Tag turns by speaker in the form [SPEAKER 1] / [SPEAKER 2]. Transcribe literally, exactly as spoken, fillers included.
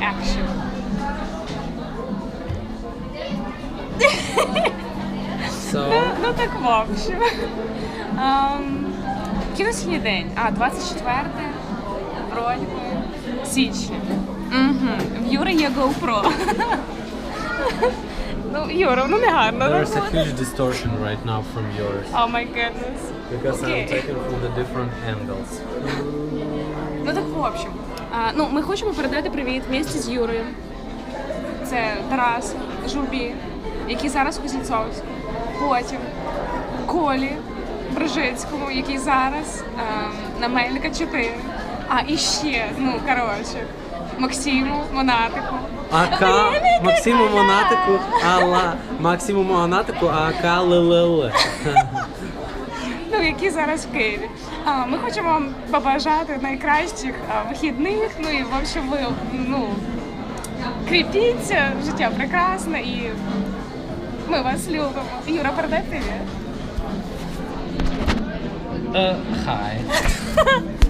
[SPEAKER 1] action.
[SPEAKER 2] So,
[SPEAKER 1] Ну, ну так в общем. Um, який на сьогодні день? А, двадцять четверте вроді би, січня. Угу. В Юри є GoPro. Ну, Юра, ну не гарно.
[SPEAKER 2] there's a huge distortion right now from yours.
[SPEAKER 1] Oh my goodness.
[SPEAKER 2] Because
[SPEAKER 1] Okay.
[SPEAKER 2] I'm taken from the different angles.
[SPEAKER 1] Ну так в общем. А, ну, ми хочемо передати привіт місті з Юрою. Це Тарас, Журбі, який зараз у Кузнєцовську. Потім Колі Брижицькому, який зараз ем, на Мельника чотири. А і ще, ну коротше, Максиму Монатику.
[SPEAKER 2] АК Максиму Монатику, Алла Максиму Монатику, АК ЛЛЛ.
[SPEAKER 1] Ну, які зараз в Києві. А, ми хочемо вам побажати найкращих а, вихідних. Ну і в общем, ви ну кріпіться, життя прекрасне і ми вас любимо. Юра, передай привіт.
[SPEAKER 2] Uh, hi.